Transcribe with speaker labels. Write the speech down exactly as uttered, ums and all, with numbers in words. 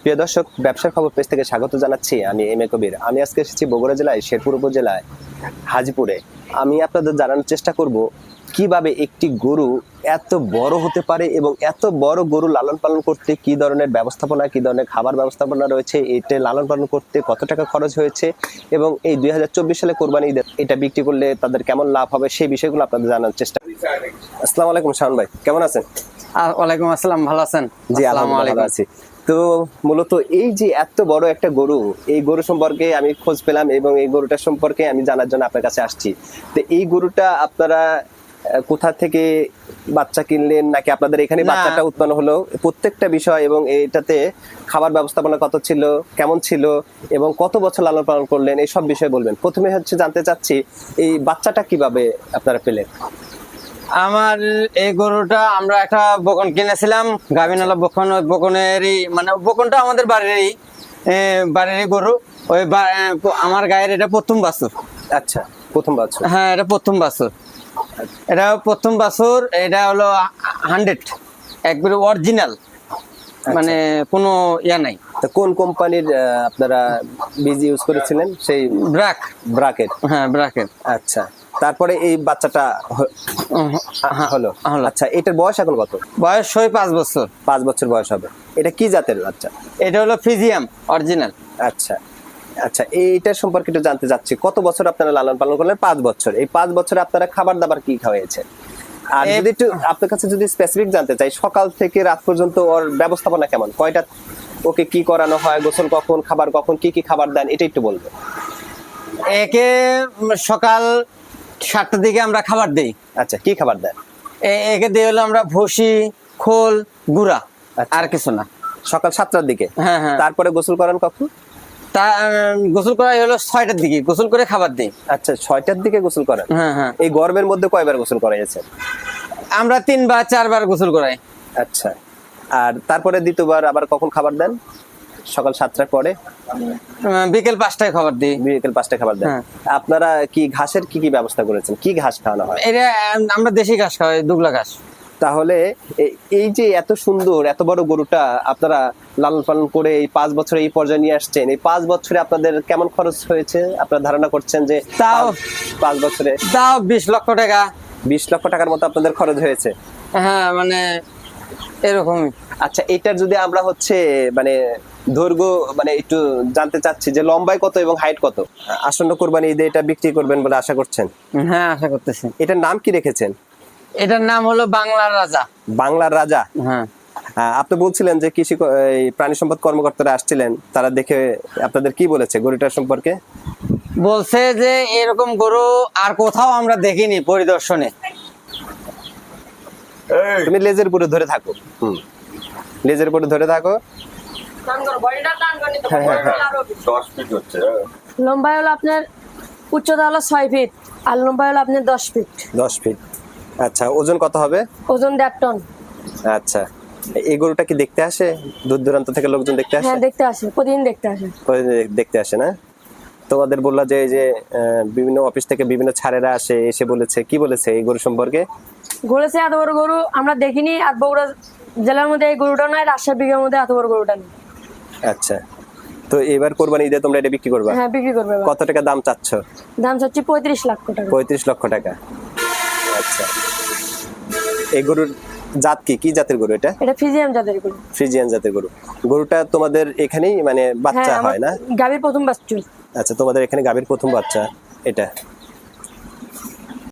Speaker 1: প্রিয় দর্শক, ব্যবসার খবর পেজ থেকে স্বাগত জানাচ্ছি। আমি এম এ কবির। আমি আজকে এসেছি বগুড়া জেলায় শেরপুর উপজেলায় হাজিপুরে। আমি আপনাদের জানানোর চেষ্টা করব কিভাবে একটি গরু এত বড় হতে পারে এবং এত বড় গরু লালন পালন করতে কি ধরনের ব্যবস্থাপনা, কি ধরনের খাবার ব্যবস্থাপনা রয়েছে, এটা লালন পালন করতে কত টাকা খরচ হয়েছে এবং এই দুই হাজার চব্বিশ সালে কোরবানি ঈদে এটা বিক্রি করলে তাদের কেমন লাভ হবে, সেই বিষয়গুলো আপনাদের জানানোর চেষ্টা। আসসালামু আলাইকুম শাওন ভাই, কেমন আছেন?
Speaker 2: ওয়ালাইকুম আসসালাম, ভালো আছেন?
Speaker 1: জি আলহামদুলিল্লাহ ভালো আছি। তো মূলত এই যে এত বড় একটা গরু, এই গরু সম্পর্কে আমি খোঁজ পেলাম এবং এই গরুটা সম্পর্কে আমি জানার জন্য আপনার কাছে আসছি। তো এই গরুটা আপনারা কোথা থেকে বাচ্চা কিনলেন, নাকি আপনাদের এখানে বাচ্চাটা উৎপন্ন হলো, প্রত্যেকটা বিষয় এবং এটাতে খাবার ব্যবস্থাপনা কত ছিল, কেমন ছিল এবং কত বছর লালন পালন করলেন, এই সব বিষয় বলবেন। প্রথমে হচ্ছে জানতে চাচ্ছি এই বাচ্চাটা কিভাবে আপনারা পেলেন?
Speaker 2: আমার এই গরুটা আমরা একটা বকন কিনেছিলাম, গাভিনালা বকন। ওই বকনেরই মানে বকনটা আমাদের বাড়িরই বাড়িরই গরু। ওই আমার গায়ের এটা প্রথম বাছুর।
Speaker 1: আচ্ছা, প্রথম বাছুর।
Speaker 2: হ্যাঁ, এটা প্রথম বাছুর। এটা প্রথম বাছুর। এটা হলো হান্ড্রেড, একবারে অরিজিনাল, মানে কোনো ইয়া নাই।
Speaker 1: তো কোন কোম্পানির আপনারা বীজ ইউজ করেছিলেন? সেই
Speaker 2: ব্রাক
Speaker 1: ব্রাকের।
Speaker 2: হ্যাঁ, ব্রাকের।
Speaker 1: আচ্ছা, তারপরে এই বাচ্চাটা হলো। আচ্ছা, এটার বয়স এখন কত?
Speaker 2: বয়স হয় পাঁচ বছর।
Speaker 1: পাঁচ বছর বয়স হবে। এটা কি জাতের বাচ্চা?
Speaker 2: এটা হলো ফিজিয়াম অরিজিনাল।
Speaker 1: আচ্ছা আচ্ছা, এইটার সম্পর্কে একটু জানতে চাচ্ছি। কত বছর আপনারা লালন পালন করলেন? পাঁচ বছর। এই পাঁচ বছরে আপনারা খাবার দাবার কি খাওয়াইছেন? আর যদি একটু আপনার কাছে যদি স্পেসিফিক জানতে চাই, সকাল থেকে রাত পর্যন্ত ওর ব্যবস্থাপনা কেমন, কয়টা ওকে কি করানো হয়, গোসল কখন, খাবার কখন, কি কি খাবার দেন, এটা একটু বলবেন।
Speaker 2: একে সকাল সাতটার দিকে আমরা খাবার দেই।
Speaker 1: আচ্ছা, কি খাবার দেন?
Speaker 2: একে দিয়ে হলো আমরা ভুসি, খোল, গুঁড়া, আর কিছু না।
Speaker 1: সকাল সাতটার দিকে?
Speaker 2: হ্যাঁ হ্যাঁ।
Speaker 1: তারপরে গোসল করেন কখন?
Speaker 2: তা গোসল করা হলো ছয়টার দিকে, গোসল করে খাবার দিই।
Speaker 1: আচ্ছা, ছয়টার দিকে গোসল করেন?
Speaker 2: হ্যাঁ হ্যাঁ।
Speaker 1: এই গরমের মধ্যে কয়বার গোসল করাইছেন?
Speaker 2: আমরা তিনবার চারবার গোসল করাই।
Speaker 1: আচ্ছা, আর তারপরে দ্বিতীয়বার আবার কখন খাবার দেন? সকাল সাতটার পরে?
Speaker 2: বিকেল পাঁচটায় খাবার দিই।
Speaker 1: বিকেল পাঁচটায় খাবার দেন। আপনারা কি ঘাসের কি কি ব্যবস্থা করেছেন? কি ঘাস খাওয়ানো হয়?
Speaker 2: এটা আমরা দেশি ঘাস খাওয়াই, দুবলা ঘাস।
Speaker 1: তাহলে এই যে এত সুন্দর এত বড় গরুটা আপনারা লালন পালন করে এই পাঁচ বছরে এই পর্যায়ে নিয়ে আসছেন, এই পাঁচ বছরে আপনাদের কেমন খরচ হয়েছে আপনারা ধারণা করছেন? যে
Speaker 2: তাও
Speaker 1: পাঁচ বছরে
Speaker 2: তাও বিশ লক্ষ টাকা।
Speaker 1: বিশ লক্ষ টাকার মতো আপনাদের খরচ হয়েছে?
Speaker 2: হ্যাঁ, মানে এরকমই।
Speaker 1: আচ্ছা, এটার যদি আমরা হচ্ছে মানে দৈর্ঘ্য মানে একটু জানতে চাচ্ছি যে লম্বায় কত এবং হাইট কত? আসন্ন কোরবানি ঈদে এটা বিক্রি করবেন বলে আশা করছেন?
Speaker 2: হ্যাঁ, আশা করতেছি।
Speaker 1: এটার নাম কি রেখেছেন?
Speaker 2: এটার নাম হলো বাংলার রাজা।
Speaker 1: বাংলার রাজা?
Speaker 2: হ্যাঁ।
Speaker 1: আপনি বলছিলেন যে কৃষি প্রাণী সম্পদ কর্মকর্তারা আসছিলেন, তারা দেখে আপনাদের কি বলেছে গরুটার সম্পর্কে?
Speaker 2: বলছে যে এরকম গরু আর কোথাও আমরা দেখিনি পরিদর্শনে।
Speaker 1: তুমি লেজের উপরে ধরে থাকো। হুম, লেজের উপরে ধরে থাকো।
Speaker 3: লম্বা হলো আপনার, উচ্চতা হলো ছয় ফিট আর লম্বা হলো আপনার দশ ফিট।
Speaker 1: দশ ফিট। আচ্ছা, ওজন কত হবে?
Speaker 3: ওজন দেড় টন।
Speaker 1: আচ্ছা, এই গরুটা কি দেখতে আসে? দূর দূরান্ত থেকে লোকজন দেখতে আসে?
Speaker 3: হ্যাঁ, দেখতে আসে, প্রতিদিন দেখতে আসে।
Speaker 1: প্রতিদিন দেখতে আসে না? তোমাদের বললা যে যে বিভিন্ন অফিস থেকে বিভিন্ন ছাড়েরা আসে, এসে বলেছে, কি বলেছে এই গরু সম্পর্কে?
Speaker 3: বলেছে এত বড় গরু আমরা দেখিনি, আর বগুড়া জেলার মধ্যে এই গরুটা নয়, রাজশাহী বিঘার মধ্যে এত বড় গরুটা নেই।
Speaker 1: আচ্ছা, তো এবার কোরবানি ঈদে তোমরা এটা বিক্রি করবা?
Speaker 3: হ্যাঁ, বিক্রি করবে।
Speaker 1: কত টাকা দাম চাচ্ছ?
Speaker 3: দাম চাচ্ছি পঁয়ত্রিশ লাখ টাকা।
Speaker 1: পঁয়ত্রিশ লক্ষ টাকা। আচ্ছা, এই গরুর জাত কি, কি জাতের গরু এটা?
Speaker 3: এটা ফিজিয়ান জাতের গরু।
Speaker 1: ফ্রিজিয়ান জাতের গরু। গরুটা তোমাদের এখানেই মানে বাচ্চা হয় না?
Speaker 3: গাভীর প্রথম বাচ্চা।
Speaker 1: আচ্ছা, তোমাদের এখানে গাভীর প্রথম বাচ্চা এটা।